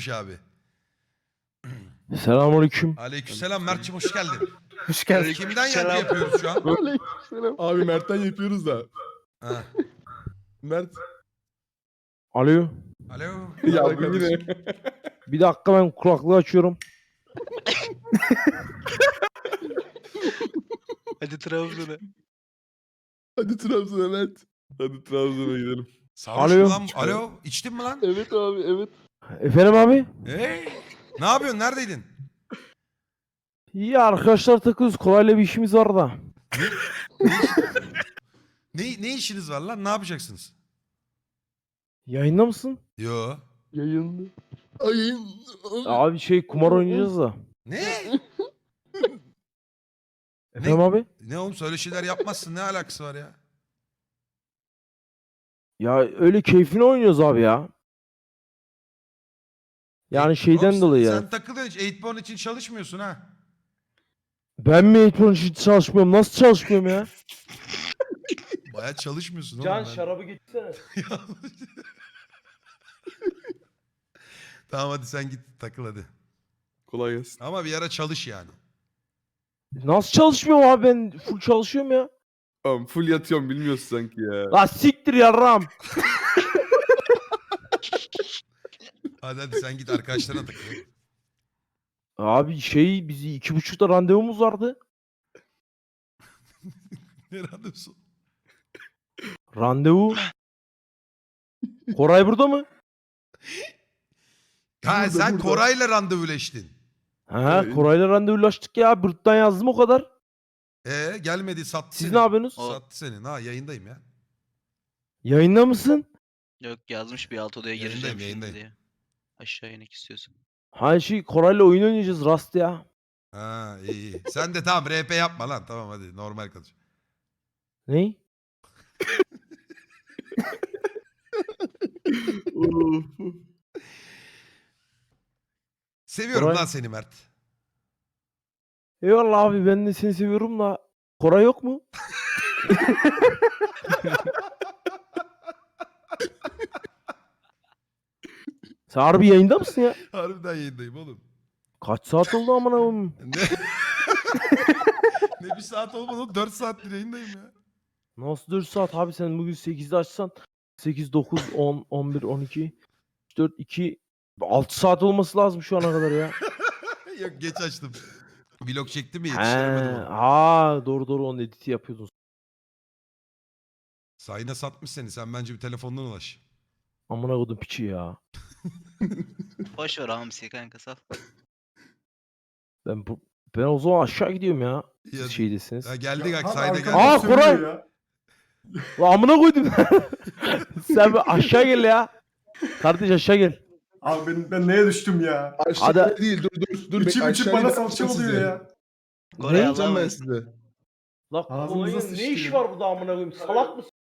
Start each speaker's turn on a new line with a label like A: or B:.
A: Durmuş abi.
B: Selamünaleyküm.
A: Aleykümselam Mert'cim hoş geldin.
C: Hoş geldin.
A: Kimden yankı yapıyoruz şu an?
D: Abi Mert'ten yapıyoruz da.
A: Ha.
D: Mert.
B: Alo.
A: Alo.
D: Ya
A: Merhaba
D: bu
A: kardeşim.
D: yine.
B: Bir dakika ben kulaklığı açıyorum.
C: Hadi Trabzon'a.
D: Hadi Trabzon'a Mert. Hadi Trabzon'a gidelim.
A: Sarhoş
B: Alo.
A: mu lan? Alo. İçtin mi lan?
D: Evet abi evet.
B: Efendim abi?
A: Hey. Ne yapıyorsun? Neredeydin?
B: İyi arkadaşlar takılıyoruz. Kolayla bir işimiz var da.
A: Ne işiniz var lan? Ne yapacaksınız?
B: Yayında mısın?
A: Yo.
D: Yayında. Ayın.
B: Abi kumar oynayacağız da.
A: Ne?
B: Efendim abi?
A: Ne oğlum söyle şeyler yapmazsın. Ne alakası var ya?
B: Ya öyle keyfine oynuyoruz abi ya. Yani şeyden
A: Oğlum,
B: dolayı
A: sen
B: yani.
A: takılıyorsun. 8born için çalışmıyorsun ha.
B: Ben mi eğitim için çalışmıyorum? Nasıl çalışmıyorum ya?
A: Baya çalışmıyorsun oğlum. ben.
B: getirsene.
A: Tamam hadi sen git takıl hadi.
D: Kolay gelsin.
A: Ama bir ara çalış yani.
B: Nasıl çalışmıyorum abi, ben full çalışıyorum ya.
D: Tamam full yatıyorum bilmiyorsun sanki ya.
B: La siktir yarram.
A: Hadi sen git arkadaşlarına takıl.
B: Abi bizi 2.30'da randevumuz vardı.
A: Ne randevusu?
B: Randevu. Koray burada mı?
A: Ha
D: Burada,
A: sen
D: burada.
A: Koray'la randevuleştin.
B: Ha,
D: Evet.
B: Koray'la randevulaştık ya. Bırt'tan yazdım o kadar.
A: Gelmedi sattı
B: Siz
A: seni.
B: ne yapıyorsunuz?
A: Sattı seni. Ha yayındayım ya.
B: Yayında mısın?
C: Yok yazmış bir alt odaya
A: Yayındayım,
C: gireceğim şimdi
A: yayındayım.
C: diye. Aşağı inek istiyorsun.
B: Ha Koray'la oyun oynayacağız Rast ya.
A: Ha iyi. Sen de tamam RP yapma lan. Tamam hadi normal konuş.
B: Ne?
D: Of.
A: Seviyorum
B: Koray-
A: lan seni Mert.
B: Eyvallah abi, ben de seni seviyorum da. Koray yok mu? Sen harbi yayında mısın ya?
A: Harbiden yayındayım oğlum.
B: Kaç saat oldu amına koyayım?
A: Ne? Ne bir saat olmadı oğlum. 4 saattir yayındayım ya.
B: Nasıl 4 saat abi, sen bugün 8'de açsan 8, 9, 10, 11, 12, 4, 2, 6 saat olması lazım şu ana kadar ya.
A: Yok geç açtım. Vlog çektim ya
B: He,
A: yetiştiremedim onu.
B: doğru onun editi yapıyordun.
A: Sayına satmış seni. Sen bence bir telefondan ulaş.
B: Amına koydum piçi ya.
C: Boş ver hamsi kanka sal.
B: Ben o zaman aşağı gidiyorum ya.
A: Ya-
B: Siz şeydesiniz.
A: Ya geldik
E: Ya,
A: sayda
E: arkadaş
A: geldik.
B: Aa,
E: söylüyor
B: Koray!
E: ya.
B: Lan amına koydum. Sen bir aşağı gel ya. Kardeş aşağı gel.
E: Abi ben neye düştüm ya?
D: Aşağıda
B: Hadi.
D: değil dur.
E: İçim içim bana salça
D: salça
E: oluyor ya.
C: Koray
D: Ne yapacağım
C: Allah'a
D: ben
C: emanet.
D: size?
B: La
E: Ağzınıza
B: Koray'ın
E: sıçtı
B: ne işi
E: ya.
B: var burada amına koyayım? Salak mısın?